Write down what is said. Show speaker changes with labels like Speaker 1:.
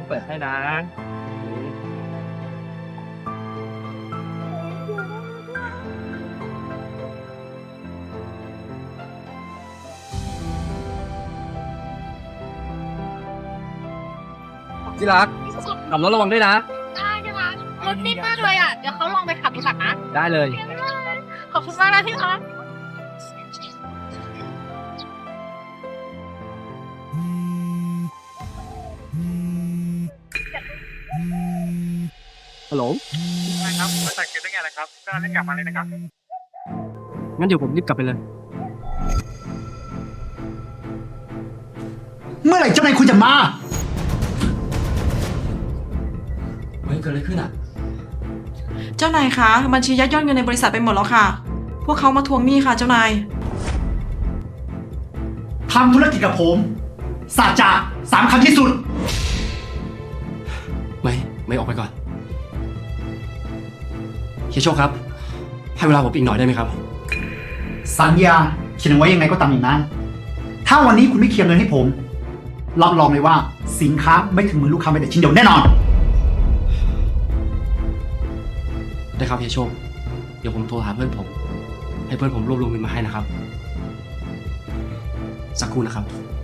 Speaker 1: เปิดให้นะที่รักขับรถระวังด้วยนะ
Speaker 2: ได้ใช่ไหมรถนิ่มมากเลยอ่ะ เดี๋ยวเขาลองไปขับดูก่อนนะ
Speaker 1: ได้เลย
Speaker 2: ขอบคุณมากนะที่รัก
Speaker 1: ฮัลโหล
Speaker 3: ครับมาตัดเก็บได้ไงล่ะครับก็ได้กลับมาเลยนะครับ
Speaker 1: งั้นเดี๋ยวผมรีบกลับไปเลย
Speaker 4: เมื่อไหร่เจ้านายคุณจะมา
Speaker 1: เฮ้ยเกิดอะไรขึ้นอ่ะ
Speaker 5: เจ้านายคะบัญชียักยอดเงินในบริษัทไปหมดแล้วค่ะ พวกเขามาทวงหนี้ค่ะเจ้านาย
Speaker 4: ทำธุรกิจกับผมสัจจะ3 คำที่สุด
Speaker 6: ไม่ออกไปก่อนเฮียโชคครับ ให้เวลาผมอีกหน่อยได้ไหมครับ
Speaker 4: สัญญาเขียนไว้ยังไงก็ตามอย่างนั้น ถ้าวันนี้คุณไม่เคลียร์เงินให้ผม รับรองเลยว่าสินค้าไม่ถึงมือลูกค้าแม้แต่ชิ้นเดียวแน่นอน
Speaker 6: ได้ครับเฮียโชค เดี๋ยวผมโทรหาเพื่อนผม ให้เพื่อนผมรวบรวมเงินมาให้นะครับ สักครู่นะครับ